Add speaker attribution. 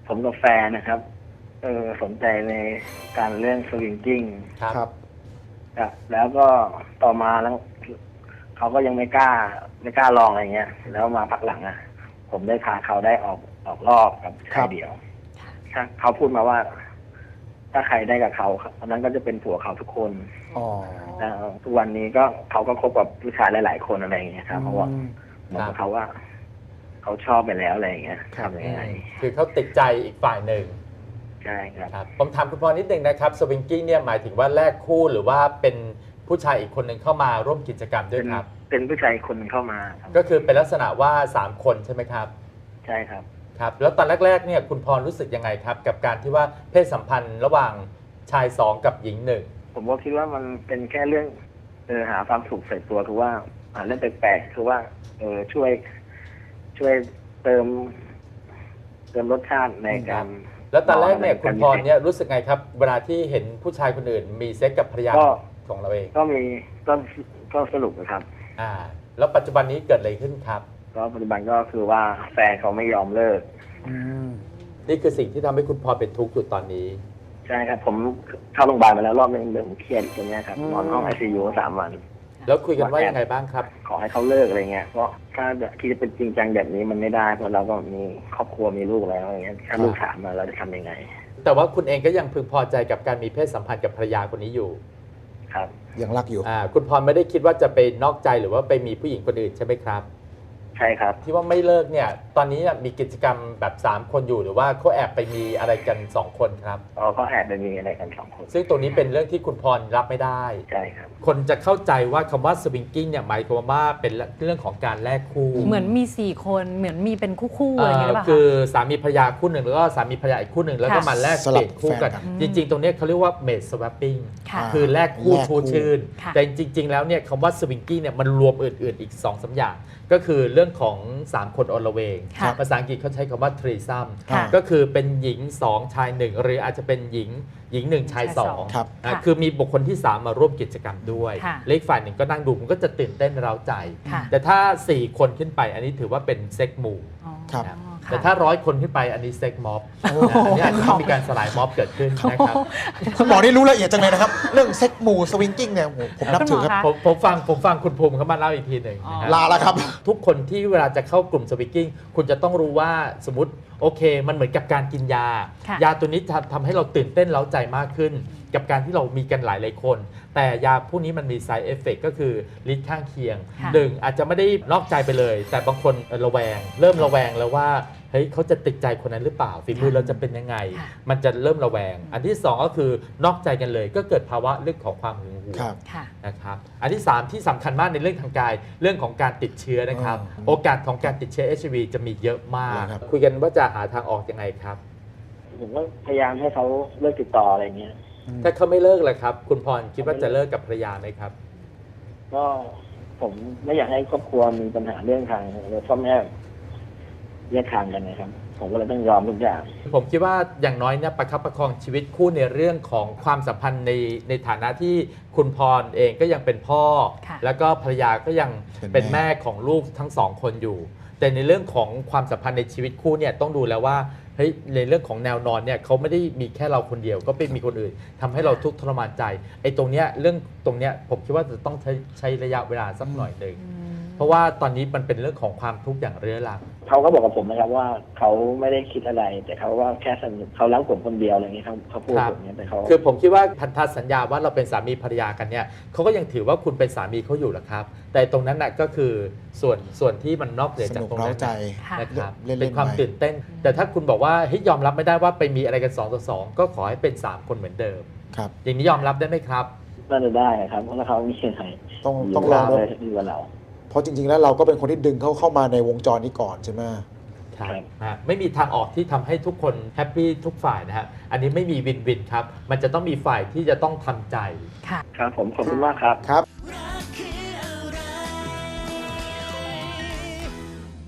Speaker 1: ผมกับแฟนนะครับสนใจในการเรื่องสวิงกิ้ง
Speaker 2: ครับ
Speaker 1: แล้วก็ต่อมาแล้วเขาก็ยังไม่กล้าลองอะไรเงี้ยแล้วมาพักหลังผมได้พาเขาได้ออกรอบกับชายเดี่ยวเขาพูดมาว่า ถ้าใครได้กับเขาอันนั้นก็จะเป็นผัวเขาทุกคน
Speaker 2: อ๋อ
Speaker 1: ทุกวันนี้ก็เขาก็คบกับผู้ชายหลายๆคนอะไรอย่างเงี้ยครับเพราะว่าเหมือนกับเขาว่าเขาชอบไปแล้วอะไรอย่างเงี้ยทำยังไง
Speaker 3: คือเขาติดใจอีกฝ่ายหนึ่ง
Speaker 1: ใช่ครับ
Speaker 3: ครับผมถามคุณพรนิดนึงนะครับสวิงกิ้งเนี่ยหมายถึงว่าแลกคู่หรือว่าเป็นผู้ชายอีกคนหนึ่งเข้ามาร่วมกิจกรรมด้วยครับ
Speaker 1: เป็นผู้ชายคนหนึ่งเข้ามาครับ
Speaker 3: ก็คือเป็นลักษณะว่า3คนใช่ไหมครับ
Speaker 1: ใช่ครับ
Speaker 3: ครับแล้วตอนแรกๆเนี่ยคุณพรรู้สึกยังไงครับกับการที่ว่าเพศสัมพันธ์ระหว่างชาย2กับหญิง1
Speaker 1: ผมก็คิดว่ามันเป็นแค่เรื่องหาความสุขใส่ตัวคือว่าเรื่องแปลกๆคือว่าช่วยเติมรสชาติในการ
Speaker 3: แล้วตอนแรกเนี่ยคุณพรเนี่ยรู้สึกไงครับเวลาที่เห็นผู้ชายคนอื่นมีเซ็กกับภรรยาของเราเอง
Speaker 1: ก็สนุกนะครับ
Speaker 3: แล้วปัจจุบันนี้เกิดอะไรขึ้นครับ
Speaker 1: ก็ปัจจุบันก็คือว่าแฟนเขาไม่ยอมเลิก
Speaker 3: นี่คือสิ่งที่ทำให้คุณพรเป็นทุกข์อยู่ตอนนี้
Speaker 1: ใช่ครับผมเข้าโรงพยาบาลมาแล้วรอบนึงเรื่องเครียดตรงนี้ครับนอนห้อง ICU 3 วัน
Speaker 3: แล้วคุยกันว่ายังไงบ้างครับ
Speaker 1: ขอให้เขาเลิกอะไรเงี้ยเพราะถ้าที่จะเป็นจริงจังแบบนี้มันไม่ได้เพราะเราก็มีครอบครัวมีลูกแล้วอย่างเงี้ยถ้าลูกถามมาเราจะทำยังไง
Speaker 3: แต่ว่าคุณเองก็ยังพึงพอใจกับการมีเพศสัมพันธ์กับภรรยาคนนี้อยู่
Speaker 1: ครับ
Speaker 2: ยังรักอยู่
Speaker 3: คุณพรไม่ได้คิดว่าจะไปนอกใจหรือว่าไปมีผู้หญิงคนอื่นใช่ไหมครับ
Speaker 1: ใช่ครับ
Speaker 3: ที่ว่าไม่เลิกเนี่ยตอนนี้มีกิจกรรมแบบ3คนอยู่หรือว่าเขาแอบไปมีอะไรกัน2คนครับ
Speaker 1: เขาแอบไปมีอะไรกัน2 คน
Speaker 3: ซึ่งตรงนี้เป็นเรื่องที่คุณพรรับไม่ได้
Speaker 1: ใช่ครับ
Speaker 3: คนจะเข้าใจว่าคำว่าสวิงกิ้งเนี่ยหมายความว่าเป็นเรื่องของการแลกคู่
Speaker 4: เหมือนมี4คนเหมือนมีเป็นคู่ๆอะไรอย่างเงี้ยหรือเปล่า
Speaker 3: คือสามีภรรยาคู่หนึ่งแล้วก็สามีภรรยาอีกคู่หนึ่งแล้วก็มาแลก
Speaker 2: สลั
Speaker 3: เป
Speaker 2: บ
Speaker 3: ลี่ยนคู่กัน
Speaker 2: แฟนกัน
Speaker 3: จริงๆ ตรงนี้เขาเรียกว่าเมดสวัปปิ้ง
Speaker 4: ค่ะ
Speaker 3: คือแลกคู่
Speaker 2: แลกคู่
Speaker 3: ชูชื่น
Speaker 4: ค่ะ
Speaker 3: แต่จริง ๆ แล้วเนี่ยคำว่าสวิงกิ้งเนี่ยมันรวมอื่นๆอีก2-3อย่าง ก็คือเรื่องของ3คนอลเวง
Speaker 4: ค่ะ
Speaker 3: ภาษาอังกฤษเขาใช้คำว่าทรีซัม
Speaker 4: ค่ะ
Speaker 3: ก็คือเป็นหญิง2ชาย1หรืออาจจะเป็นหญิง1ชาย
Speaker 4: ชายสอง
Speaker 3: 2
Speaker 2: ครับ
Speaker 4: ค่ะ
Speaker 3: คือมีบุคคลที่ 3 มาร่วมกิจกรรมด้วย
Speaker 4: ค่ะ
Speaker 3: เลขฝ่ายหนึ่งก็นั่งดูมันก็จะตื่นเต้นเร้าใจ
Speaker 4: ค่ะ
Speaker 3: แต่ถ้า 4 คนขึ้นไปอันนี้ถือว่าเป็นเซ็กมู
Speaker 4: อ๋อ
Speaker 2: ครับ
Speaker 4: ค่ะ
Speaker 3: แต่ถ้า100 คนขึ้นไปอันนี้เซ็กม็อบ
Speaker 2: โอ้โห
Speaker 3: อันนี้อาจจะต้องมีการสลายม็อบเกิดขึ้นนะครับ
Speaker 2: คุณหมอนี่รู้ละเอียดจังเลยนะครับ เรื่องเซ็กมูสวิงกิ้งเนี่ยโอ้โหผมนับถือครับ
Speaker 4: คุณหมอคะ
Speaker 3: ผมฟังคุณภูมิเขามาเล่าอีกทีหนึ่งนะค
Speaker 2: ลา
Speaker 3: รับ
Speaker 2: แล้วครับ
Speaker 3: ทุกคนที่เวลาจะเข้ากลุ่มสวิงกิ้งคุณจะต้องรู้ว่าสมมติโอเค มันเหมือนกับการกินยา
Speaker 4: ค่ะ
Speaker 3: ยาตัวนี้ทำให้เราตื่นเต้นเร้าใจมากขึ้น กับการที่เรามีกันหลายคน แต่ยาพวกนี้มันมี side effect ก็คือฤทธิ์ข้างเคียง
Speaker 4: ค่ะ
Speaker 3: หนึ่งอาจจะไม่ได้นอกใจไปเลย แต่บางคนระแวง เริ่มระแวงแล้วว่าเฮ้ยเขาจะติดใจคนนั้นหรือเปล่าฝีมือเราจะเป็นยังไง
Speaker 4: ค่ะ
Speaker 3: มันจะเริ่มระแวง อันที่2ก็คือนอกใจกันเลย ก็เกิดภาวะเรื่องของความหึงหวง
Speaker 2: ครับ
Speaker 4: ค่ะ
Speaker 3: นะครับอันที่ 3 ที่สำคัญมากในเรื่องทางกายเรื่องของการติดเชื้อนะครับ
Speaker 2: อืม
Speaker 3: โอกาสของการติดเชื้อ HIV จะมีเยอะมาก
Speaker 2: ครับ
Speaker 3: คุยกันว่าจะหาทางออกยังไงครับ
Speaker 1: ผมก็พยายามให้เขาเลิกติดต่ออะไรเงี้ย
Speaker 3: ถ้าเขาไม่เลิกเลยครับ คุณพรคิดว่าจะเลิกกับภรรยาไหมครับ
Speaker 1: ก็ผมไม่อยากให้ครอบครัวมีปัญหาเรื่องทางพ่อแม่แยกทางกันนะครับ ผมก็เลยต้องยอมทุกอย่าง
Speaker 3: ผมคิดว่าอย่างน้อยเนี่ยประคับประคองชีวิตคู่ในเรื่องของความสัมพันธ์ในฐานะที่คุณพรเองก็ยังเป็นพ่อ
Speaker 4: ค่ะ
Speaker 3: แล้วก็ภรรยาก็ยัง
Speaker 2: เป็
Speaker 3: เป็น
Speaker 2: นแม่
Speaker 3: แม่ของลูกทั้งสองคนอยู่ แต่ในเรื่องของความสัมพันธ์ในชีวิตคู่เนี่ยต้องดูแล้วว่าเฮ้ยในเรื่องของแนวนอนเนี่ยเขาไม่ได้มีแค่เราคนเดียวก็ไปมีคนอื่นทำให้เราทุกข์ทรมานใจไอ้ตรงเนี้ยเรื่องตรงเนี้ยผมคิดว่าจะต้องใช้ระยะเวลาสักหน่อยหนึ่ง เพราะว่าตอนนี้มันเป็นเรื่องของความทุกข์อย่างเรื้อรัง
Speaker 1: เขาก็บอกกับผมนะครับว่าเขาไม่ได้คิดอะไร แต่เขาว่าแค่สนุกเขารักผมคนเดียวอะไรเงี้ยเขาพูด
Speaker 3: ครับ
Speaker 1: แบบนี้แต่เขา
Speaker 3: คือผมคิดว่าพันธสัญญาว่าเราเป็นสามีภรรยากันเนี่ยเขาก็ยังถือว่าคุณเป็นสามีเขาอยู่แหละครับ แต่ตรงนั้นน่ะก็คือส่วนที่มันนอกเหนือ
Speaker 2: ส
Speaker 3: จาก
Speaker 2: นุก
Speaker 3: ตรง
Speaker 2: เร้า
Speaker 3: นั้น
Speaker 2: ใจ
Speaker 4: ค่ะ
Speaker 3: นะครับ
Speaker 2: เล่นๆ
Speaker 3: เป็นความ
Speaker 2: ไป
Speaker 3: ตื่นเต้น แต่ถ้าคุณบอกว่าเฮ้ยยอมรับไม่ได้ว่าไปมีอะไรกัน2 ต่อ 2ก็ขอให้เป็น3 คนเหมือนเดิม
Speaker 2: ครับ
Speaker 3: อย่างนี้ยอมรับได้ไหมครับ
Speaker 1: น่าจะได้ครับเพราะถ้าเขาไม่ใช่
Speaker 2: ต้องลอง
Speaker 1: เลยดีกว่าเรา
Speaker 2: เพราะจริงๆแล้วเราก็เป็นคนที่ดึงเขาเข้ามาในวงจรนี้ก่อนใช่ไหม
Speaker 3: ครับ
Speaker 1: ครับ
Speaker 3: ไม่มีทางออกที่ทำให้ทุกคนแฮปปี้ทุกฝ่ายนะฮะอันนี้ไม่มีวินวินครับมันจะต้องมีฝ่ายที่จะต้องทำใจ
Speaker 4: ค่ะ
Speaker 1: ครับผมขอบคุณมากครับ
Speaker 2: ครับ